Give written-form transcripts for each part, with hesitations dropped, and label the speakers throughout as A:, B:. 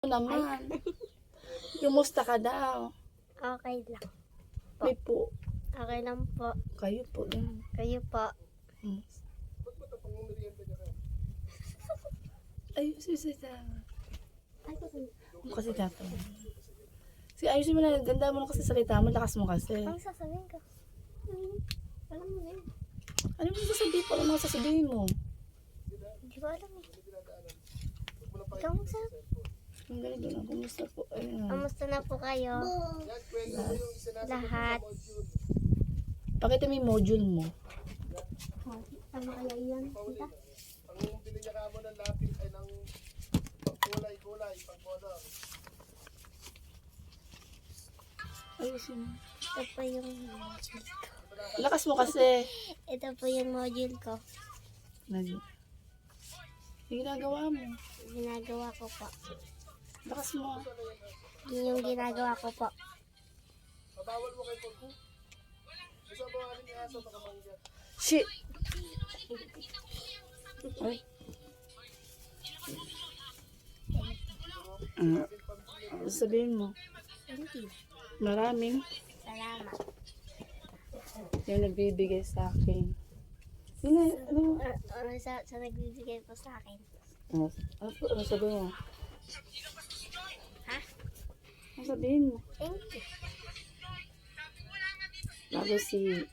A: Naman. Kumusta ka daw?
B: Okay lang.
A: May po.
B: Okay lang po.
A: Kayo po. Yan.
B: Kayo po.
A: Ayun, kasi dapat. Sige, ayusin mo na. Ganda mo na kasi salita mo. Lakas mo kasi.
B: Ang sasabihin ko. Alam mo na yun.
A: Ano mo sasabihin po? Ano mga sasabihin mo?
B: Hindi ko alam eh. Ikaw magsabi.
A: Ang ganito na. Kumusta po? Ayun.
B: Kamusta na po kayo? Lahat.
A: Pakita mo yung module mo.
B: Ano kaya yan? Tita?
C: Ang bili niya kamo ng lapis ay ng pagkulay-kulay, pagkolor.
A: Ayusin mo.
B: Ito po yung module ko.
A: Lakas mo kasi.
B: Ito po yung module ko.
A: Yung ginagawa mo.
B: Ginagawa ko po.
A: Lakas mo.
B: Yun yung ginagawa ko po.
C: Mabawal mo kay Pagku. Isa ba ang aking aso makamanggat?
A: Shit! Ay. Ano sabihin mo?
B: Thank you.
A: Maraming
B: Salamat.
A: yung nagbibigay sa akin. Yun na, ano?
B: Sa nagbibigay po sa akin.
A: Ano sabihin mo?
B: Ha?
A: Ano sabihin mo?
B: Thank you.
A: Lalo si...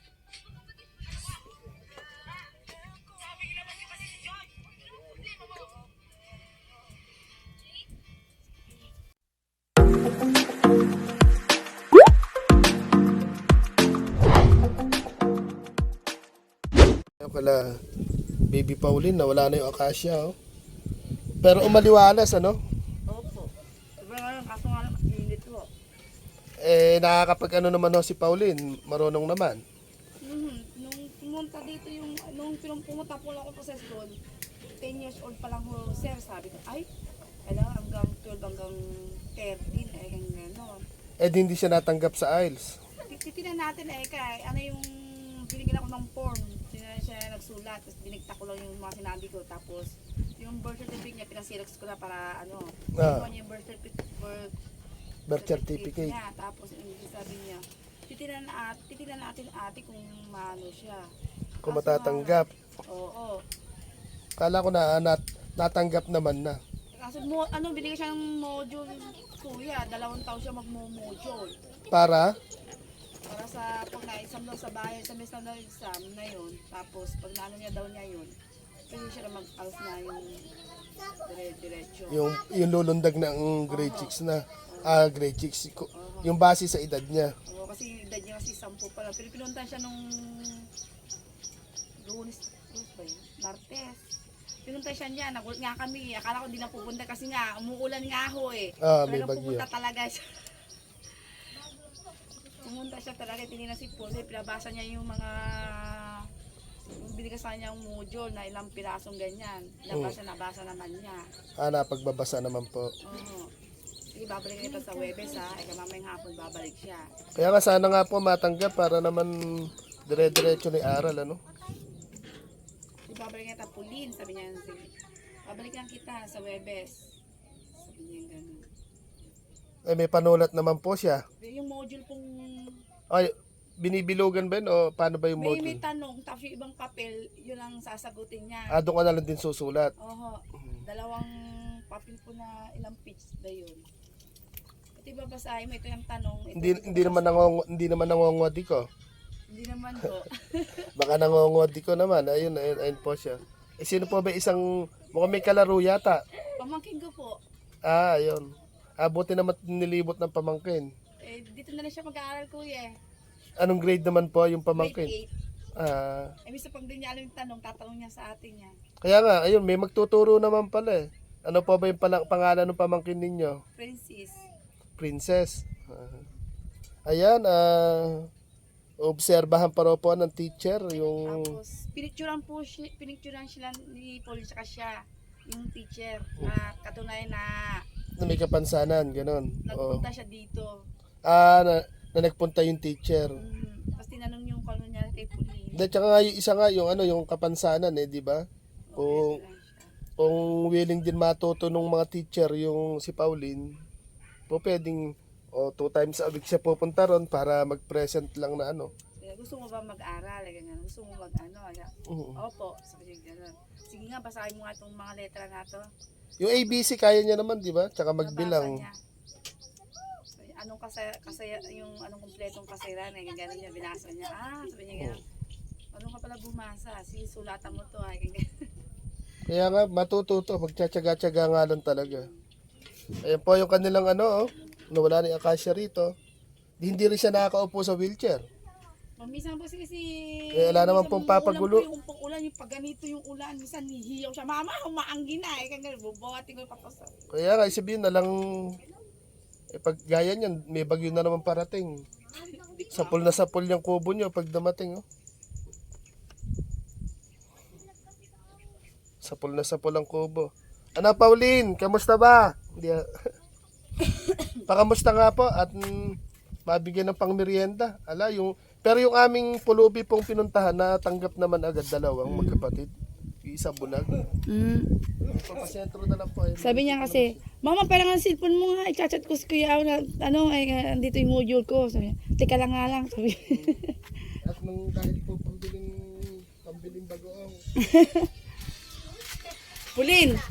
C: Kaya pala, Baby Pauline, nawala na yung akasya, oh. Pero umaliwalas, ano?
A: Opo. Diba nga, kaso nga lang, init po.
C: Nakakapag ano naman ho si Pauline, marunong naman.
A: Nung pumunta dito yung, nung pumunta po lang ako sa school, 10 years old pa lang ho, sir, sabi ko, ay, kailangan hanggang 12, hanggang 13, gano'n.
C: Hindi siya natanggap sa IELTS.
A: Titinan natin kay, ano yung, binigyan ako ng form, siya nagsulat, tapos binigta ko lang yung mga sinabi ko, tapos, yung birth certificate niya, pinasirex ko na para, kinuha niya yung birth certificate niya, tapos, sabi niya, titinan natin ate kung maano siya.
C: Kung matatanggap.
A: Oo.
C: Kala ko na natanggap naman na.
A: Kaso binigay siya ng module, kuya, 2 taon siya magmo-module.
C: Para?
A: Para sa pag na-exam daw sa bahay, sa mes na exam na yun, tapos pag naano niya daw niya yun, pwede siya na mag-alas na yung diretso.
C: Yung lulundag ng grade 6 na. Grade 6. Yung base sa edad niya.
A: Oo, kasi edad niya kasi 10 pa lang. Pero pinunta siya nung Lunes ba yun? Martes. Pinunta siya niya, nagulat nga kami. Akala ko hindi na pupunta kasi nga, umuulan nga ho eh.
C: May
A: Talagang
C: bagyo.
A: pupunta talaga siya. Pumunta siya talaga, tinignan si Pose, pinabasa niya yung mga binigay sa kanya yung module na ilang pirasong ganyan. Nabasa naman niya.
C: Napagbabasa naman po.
A: Oo. Sige, babalik kita sa Webes ha. Mamayang hapon babalik siya.
C: Kaya nga sana nga po matanggap para naman dire-diretso ni aral, ano?
A: Babalik kita Pauline, sabi niya. Babalik lang kita sa Webes. Sabi niya gano'n.
C: May panulat naman po siya.
A: Yung module pong...
C: Ay, binibilugan ba yun o paano ba yung
A: May
C: module?
A: tanong, tapos yung ibang papel, yun ang sasagutin niya.
C: Doon ka na lang din susulat.
A: Oho. 2 papel po na ilang page na yun. At ibabasahin mo, ito yung tanong.
C: Hindi naman nangongwadi ko.
A: Hindi naman po.
C: Baka nangongwadi ko naman. Ayun po siya. Sino po ba isang, mukhang may kalaro yata.
A: Pamangkin ko po.
C: Ayun. Buti naman nilibot ng pamangkin.
A: Dito na lang siya mag-aaral kuya.
C: Anong grade naman po yung pamangkin?
A: Grade 8. Minsan pag di niya alam yung tanong, tatanong niya sa atin niya.
C: Kaya nga, ayun, may magtuturo naman pala eh. Ano po ba yung pangalan ng pamangkin ninyo?
A: Princess.
C: Princess. Ayan, obserbahan pa raw po ng teacher yung...
A: Tapos, pinicturan sila ni Paul saka siya, yung teacher, na katunayan na
C: may kapansanan, gano'n.
A: nagpunta siya dito.
C: Na nagpunta yung teacher.
A: Tapos tinanong yung kung ano niya kay Pauline.
C: Tsaka nga yung isa nga, yung kapansanan di ba? Kung kung willing din matuto ng mga teacher yung si Pauline, po pwedeng 2 times a week siya pupunta ron para mag-present lang na ano.
A: Gusto mo ba mag-aral? Ganyan. Gusto mo mag-ano?
C: Oo.
A: Opo, sabi niya gano'n. Sige nga, basahin mo nga itong mga letra na to.
C: Yung ABC kaya niya naman, di ba? Tsaka magbilang.
A: Nabasa niya. So, anong yung anong kumpletong kasayran, gano'n niya, binasa niya. Sabi niya gano'n. Ano ka pala bumasa? Sige, sulatan mo to. Ganyan.
C: Kaya nga, matututo. Magtsatsaga-tsaga nga lang talaga. Ayan po yung kanilang nawala ni Acacia rito. Hindi rin siya nakakaupo sa wheelchair.
A: Minsan po si
C: wala naman pong papagulo.
A: Yung ulan, yung pag ganito yung ulan, minsan nihiyaw siya. Mama, humaanggi na. Ganyan, bubuhatin ko yung patos.
C: Kaya nga, sabihin na lang, pag gaya niyan, may bagyo na naman parating. Sapul na sapul yung kubo niyo pag damating. Sapul na sapul ang kubo. Ano, Pauline, kamusta ba? Hindi. Pakamusta nga po at mabigyan ng pangmerienda. Pero yung aming pulubi pong pinuntahan, natanggap naman agad dalawang magkapatid. Isa bulag. Papasentro na lang po.
A: Sabi niya kasi, Mama, parang ang cellphone mo nga, i-chat ko si Kuya Au na, andito yung module ko. Sabi niya, teka lang nga lang. Sabi
C: At nung dahil po pambiling bagoong.
A: Pulin!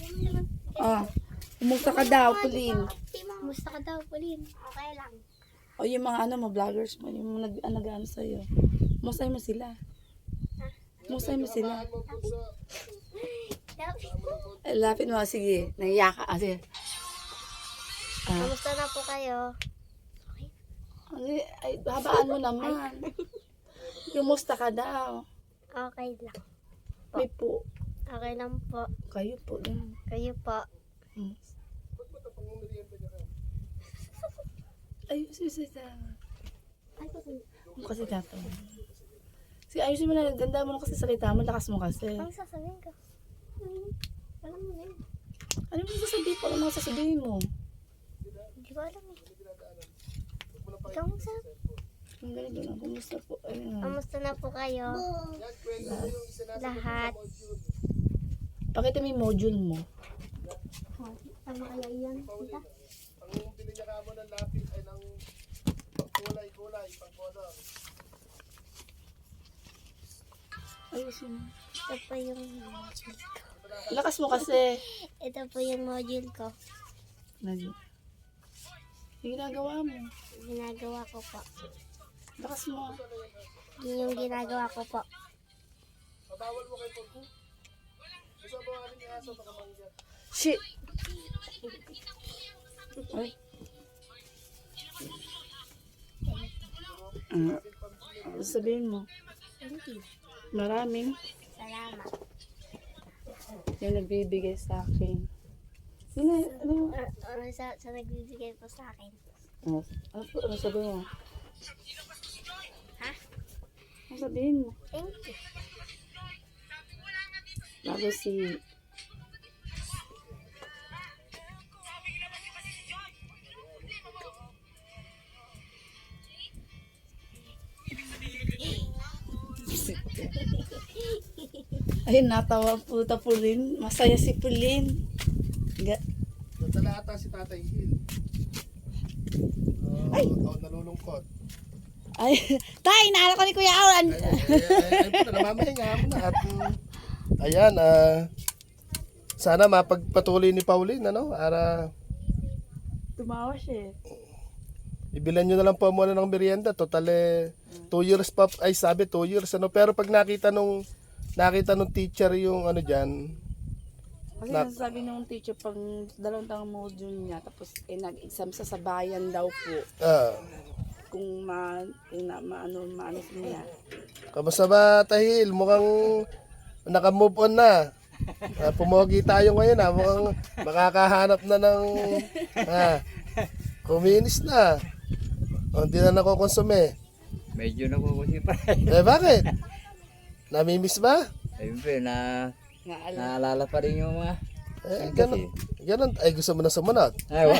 A: Kumusta ka daw, Pulin?
B: Kumusta ka daw, Pauline? Okay lang.
A: O yung mga vloggers mo, yung mga nag-ano sa'yo. Musay mo sila. Musay mo sila. Lapit mo, sige. Naiyak ka. Sige.
B: Kamusta na po kayo?
A: Ay, habaan mo naman. Kumusta ka daw?
B: Okay lang.
A: May po.
B: Okay lang po.
A: Kayo po. Yan.
B: Kayo po.
A: Ay, sige.
B: Ay,
A: Kasi dato. Sige, ayusin mo na. Ganda mo na kasi salita mo. Lakas mo kasi.
B: ang sasabihin ko? Alam mo na yun.
A: Ano mo sasabihin po? Ano mo sasabihin mo?
B: Hindi ko alam eh. Ikaw mo sa...
A: Ang ganito na. Kumusta po? Ayun.
B: Kamusta na po kayo? Lahat.
A: Pakita mo yung module mo.
B: Ano kaya yan? Tita?
C: Ang bili niya kamo ng lapis ay ng kulay, pang-color.
A: Ayusin mo.
B: Ito po yung module ko.
A: Lakas mo kasi.
B: Ito po yung module ko.
A: Yung ginagawa mo.
B: Ginagawa ko po.
A: Lakas mo.
B: Yun yung ginagawa ko po.
C: Mabawal mo kay Pagku. Gusto ba ang aling aso makamanggat?
A: Shit! Ay. Ano sabihin mo?
B: Thank you.
A: Maraming
B: Salamat.
A: yung nagbibigay sa akin. Sino? Ano?
B: Sa nagbibigay po sa akin.
A: Ano sabihin mo?
B: Ha?
A: Ano sabihin mo?
B: Thank you.
A: Bago si... Ayun, natawa po ta Pulin. Masaya si Pulin.
C: Nadala ata si Tatay Hill. Nalulungkot.
A: Ay, tay, naalala ko ni Kuya Awan.
C: Ay po, namamahinga mo na. At, ayan, sana mapagpatuloy ni Pauline, para
A: Tumawa siya.
C: ibilan nyo na lang po muna ng merienda. Total 2 years pa, ay sabi 2 years, pero pag nakita nung teacher yung dyan,
A: Kasi sabi nung teacher, pag 2 taong module niya, tapos nag-exam sa bayan daw po. Kung maano niya.
C: Kamusta ba, Tahil? Mukhang naka-move on na. Pumogi tayo ngayon, mukhang makakahanap na ng kuminis na. Hindi na nakokonsume.
D: Medyo nakukusin pa.
C: Bakit? Namimiss ba?
D: Ayun po, naalala pa rin yung mga...
C: Ganun. Ay, gusto mo na sumunod.
D: Ay, wag.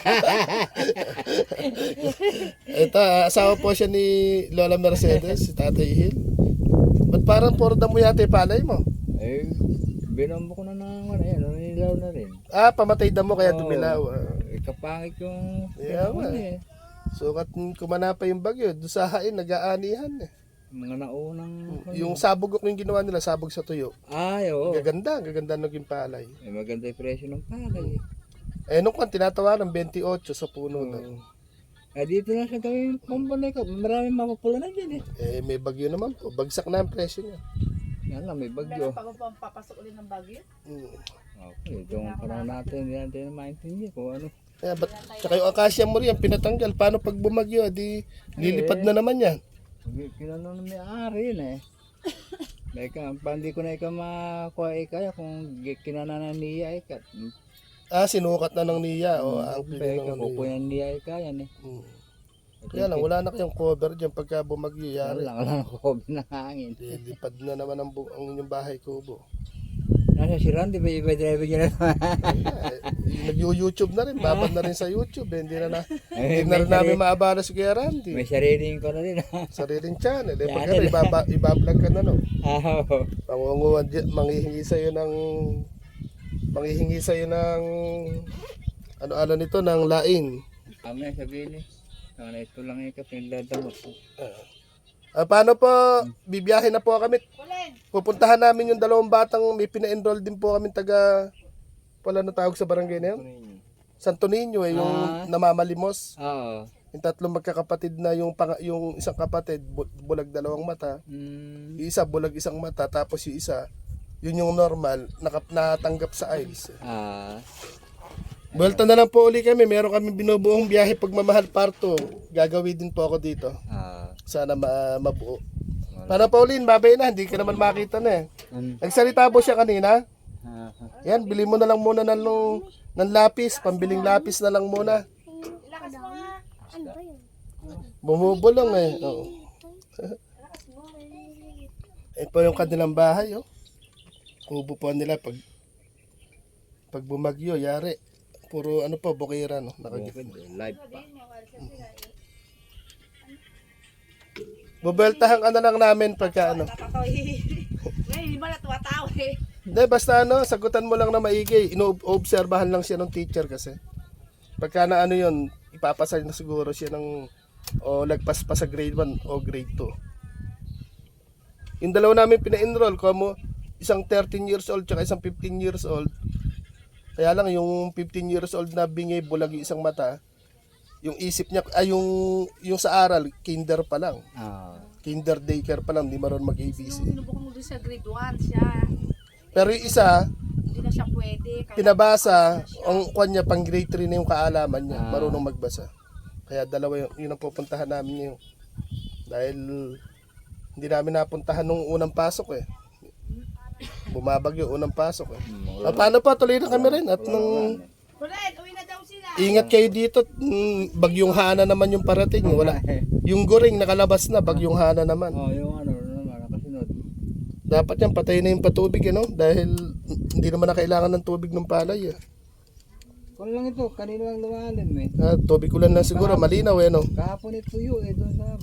C: Ito, asawa po siya ni Lola Mercedes, si Tatay Hill. Ba't parang puro damo yata yung palay mo?
D: Ay, binombo ko na ng ano, yan, nilaw na rin.
C: Ah, pamatay damo kaya
D: Oo.
C: dumilaw.
D: Kapangit yung
C: Yeah,
D: ano
C: nga.
D: eh.
C: Sukat kumana pa yung bagyo, doon sa hain, nag-aanihan eh.
D: Mga naunang...
C: Yung sabog yung ginawa nila, sabog sa tuyo.
D: Ay, oo.
C: Gaganda naging palay.
D: Eh, maganda yung presyo ng palay.
C: Eh, nung kan, tinatawaran, 28 sa puno na.
D: Eh, dito na sa gawin pambanay ko. Maraming mapapula na dyan eh.
C: Eh, may bagyo naman po. Bagsak na ang presyo niya.
D: Yan lang, may bagyo.
A: Pag papasok ulit ng bagyo.
C: Mm.
D: Okay, itong panahon natin, hindi natin maintindihan kung ano.
C: Kaya, tsaka yung akasya mo rin, pinatanggal. Paano pag bumagyo, di lilipad na naman yan.
D: Kinano na may-ari yun eh. Teka, hindi ko na ikaw makuha kaya kung kinananan niya ikat.
C: Ah, sinukat na ng niya. O, ang pili
D: Teka,
C: ng niya.
D: kukuyan niya kaya eh.
C: Mm. Kaya lang, wala na kayong cover dyan pagka bumagyo. Yari.
D: Wala na kobe ng hangin.
C: Lilipad na naman ang inyong bahay kubo.
D: Nasa si Randy, ba iba driver niya na?
C: Nag-YouTube na rin, babad na rin sa YouTube. Hindi na
D: Eh,
C: hindi na rin namin maabala si Kuya Randy.
D: May sariling ko na rin.
C: Sariling channel. Eh, pag
D: Channel.
C: ibablog ka na, no?
D: Oo.
C: Pangunguhan, manghihingi sa'yo ng ano nito, ng laing.
D: Kami sabihin eh. Sana ito lang ikat, nagdadamot.
C: Paano po, bibiyahe na po kami. Pupuntahan namin yung dalawang batang may pina-enroll din po kami taga, wala na tawag sa barangay na yun? Santo Niño eh, yung namamalimos.
D: Oo.
C: Yung tatlong magkakapatid na yung isang kapatid, bulag dalawang mata.
D: Mm.
C: Yung isa, bulag isang mata. Tapos yung isa, yun yung normal, natanggap sa IELTS. Buwelta na lang po uli kami. Meron kami binubuong biyahe pagmamahal parto. Gagawin din po ako dito. Sana mabuo. Para Pauline, babay na. Hindi ka naman makita na eh. Nagsalita po siya kanina. Yan, bili mo na lang muna ng lapis. Pambiling lapis na lang muna.
B: Ano ba yun?
C: Bumubulong eh. Oo. Ito po yung kanilang bahay. Oh. Kubo po nila pag bumagyo, yari. Puro ano po, bukira. No? Nakagipin.
D: Live pa.
C: Bubeltahan ka na lang namin pagka ano.
A: Ngayon, hindi ba natuwatawa eh.
C: Hindi, basta ano, sagutan mo lang na maigi. Ino-obserbahan lang siya ng teacher kasi. Pagka na ano yun, ipapasal na siguro siya ng lagpas pa sa grade 1 o grade 2. Yung dalawa namin pina-enroll, mo isang 13 years old tsaka isang 15 years old. Kaya lang yung 15 years old na bingay bulag yung isang mata, yung isip niya, yung sa aral, kinder pa lang. Kinder daycare pa lang, di marunong mag-ABC.
A: Sinubukan mo doon sa grade 1 siya.
C: Pero yung isa,
A: Hindi na siya pwede.
C: pinabasa, ang kwan niya, pang grade 3 na yung kaalaman niya, marunong magbasa. Kaya dalawa yun ang pupuntahan namin yun. Dahil hindi namin napuntahan nung unang pasok eh. Bumabagyo unang pasok eh. Paano pa, tuloy na kami rin. At nung
A: Ulit, uwi na daw sila.
C: ingat kayo dito, bagyong Hana naman yung parating. Wala. Yung Goring nakalabas na, bagyong Hana naman.
D: Yung ano naman, nakasunod.
C: Dapat yan, patay na yung patubig, ano? Dahil hindi naman na kailangan ng tubig ng palay. Eh.
D: Kung lang ito, kanino lang lumalim eh.
C: Tubig ulan lang siguro, malinaw eh, no?
D: Kahapon ito yun eh, doon sa...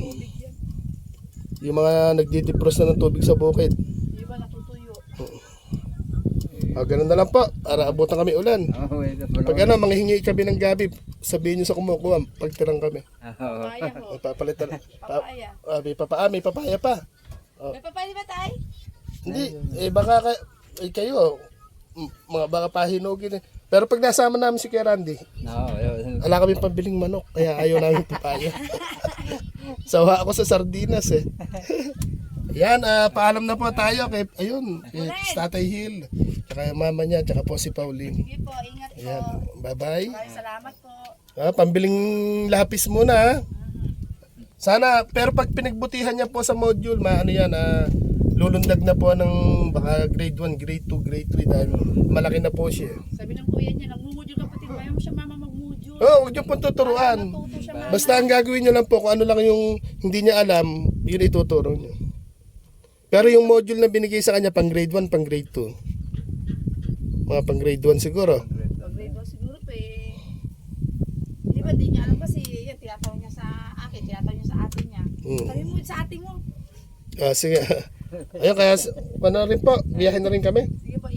C: Yung mga nagdidipros na ng tubig sa bukid.
A: Hindi ba natutuyo?
C: Ganun na lang po, para abutan kami ulan. Pag ano, manghihingi kami ng gabi, sabihin nyo sa kumukuha, pagtirang kami.
A: Papaya ho.
C: Papalitan.
A: Papaya.
C: May papaya pa.
A: May papaya ba tayo?
C: Hindi, baka kayo, mga baka pahinugin eh. Pero pag nasama namin si Kuya Randy, wala kami pambiling manok, kaya ayaw namin papaya. Sawa ako sa sardinas eh. Yan, paalam na po tayo kay Tatay Hill, tsaka yung mama niya, tsaka po si Pauline.
A: Sige po, ingat po.
C: Ayan, bye-bye.
A: Maraming salamat po.
C: Pambiling lapis muna ha. Sana, pero pag pinagbutihan niya po sa module, lulundag na po ng baka grade 1, grade 2, grade 3 dahil malaki na po siya.
A: Sabi ng kuya niya, nagmumudyo kapatid, ayaw mo siya mama magmudyo.
C: Huwag niyo pong tuturuan.
A: Natuto siya mama.
C: Basta ang gagawin niyo lang po kung ano lang yung hindi niya alam, yun ituturo niyo. Pero yung module na binigay sa kanya pang grade 1, pang grade 2. Mga pang grade 1 siguro.
A: Pag grade 1 siguro pa eh. Di ba, di niya alam kasi, yan, tinatawag niya sa akin, tinatawag niya sa atin niya. Sabi mo sa atin mo.
C: Sige. Ayun, kaya rin po, biyahin na rin kami.
A: Sige po,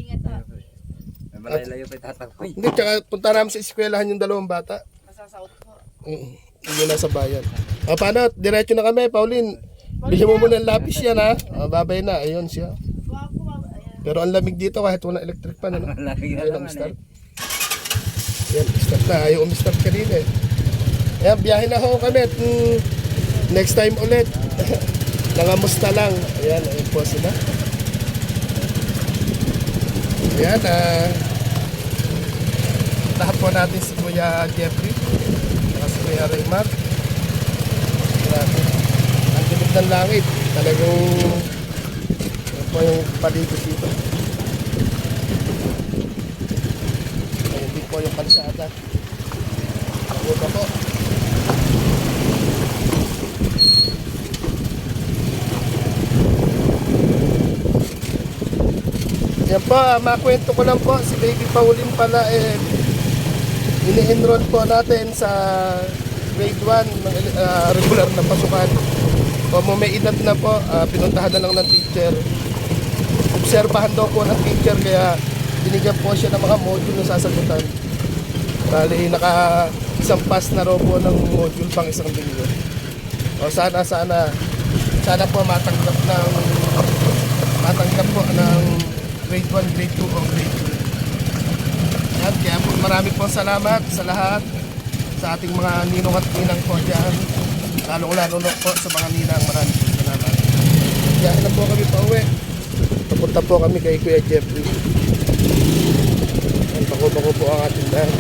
D: Malayo pa tatakboy.
C: Hindi, tsaka punta namin sa eskwelahan yung dalawang bata.
A: Masasahot po.
C: Hindi nasa bayan. Paano? Diretso na kami, Pauline. Bili mo muna ng lapis yan ha. Babay na, ayun siya.
A: Ayan.
C: Pero ang lamig dito kahit wala electric pan, ano?
D: Lamig na
C: Ayun ang
D: naman
C: start. Yan, start na. Ayaw umistart kanina eh. Ayan, biyahe na ho kami. At, next time ulit. Nangamusta lang. Ayan, ayun po sila. Ayan, lahat po natin si Kuya Jeffrey. Saka si Kuya Raymar. Grabe. Ang dilig ng langit. Talagang yan po yung paligid dito. Ayun din po yung kalsada. Ako pa po. Yan po, makwento ko lang po, si Baby Pauline pala ini-enroll po natin sa grade 1 ng regular na pasukan. Kung may edad na po, pinuntahan na lang ng teacher. Obserbahan daw po ng teacher kaya binigyan po siya ng mga module na sasagutan. Bali, naka isang pass na raw po ng module pang isang linggo. O sana po matanggap po ng grade 1, grade 2 o grade 3. Yan, kaya po marami pong salamat sa lahat, sa ating mga ninong at ninang po dyan. Lalong-lalo po sa mga ninang, maraming pong salamat. Kaya na po kami pa uwi. Papunta po kami kay Kuya Jeffrey. Yan, bako-bako po ang ating dahil.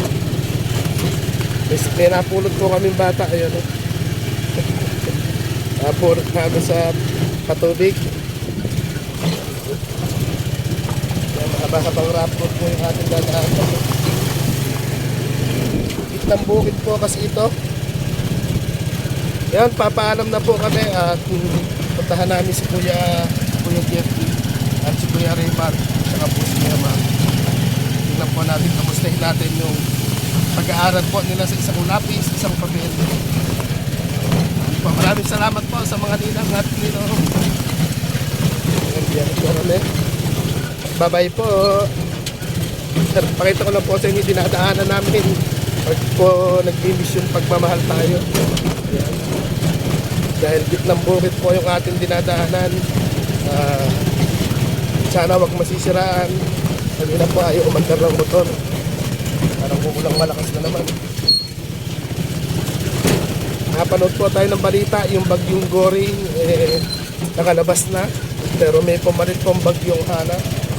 C: May napulot po kaming bata, ayun. Napulot namin sa patubig. Mahaba-habang rapid po yung ating dadaan. Itang bukid po kasi ito. Yan, papaalam na po kami at puntahan namin si Kuya Jeffrey at si Kuya Raymar saka po si Kuya Mar. Tingnan po natin, kamustahin natin yung pag-aaral po nila sa isang lapis, isang papel. Maraming salamat po sa mga ninang at ninong. Yan po kami. Bye-bye po. Pakita ko lang po sa inyo dinadaanan namin pag po nag-imbis yung pagmamahal tayo. Ayan. Dahil gitnang bukid po yung ating dinadaanan. Sana wag masisiraan. Kanina po ayaw umandar ng motor. Parang kukulang malakas na naman. Napanood po tayo ng balita, yung bagyong Goring nakalabas na. Pero may pumalit pong bagyong Hana.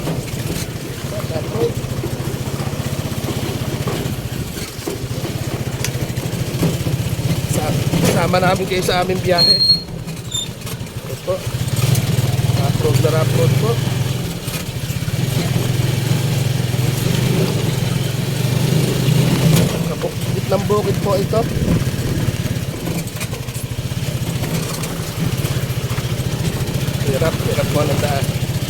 C: Sama namin kayo sa aming biyahe. Ito po. Upload na upload po. Kapukit ng bukid po ito. Hirap po ng daan.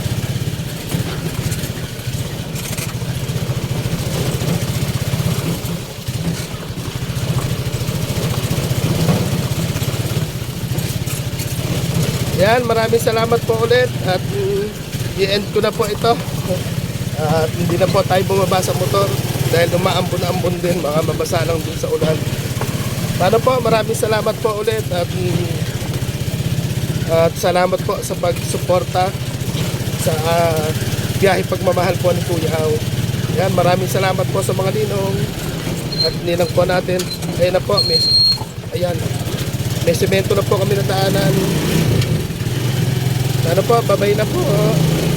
C: Yan, maraming salamat po ulit at i-end ko na po ito. At hindi na po tayo bumaba sa motor dahil umaambon-ambon din, mga mabasa lang din sa ulan. Paano po, maraming salamat po ulit at salamat po sa pagsuporta sa biyahe pagmamahal po ni Kuya Aw. Yan, maraming salamat po sa mga ninong at ninang po natin. Ayan na po, may semento na po kami na daanan. Ano po, babay na po.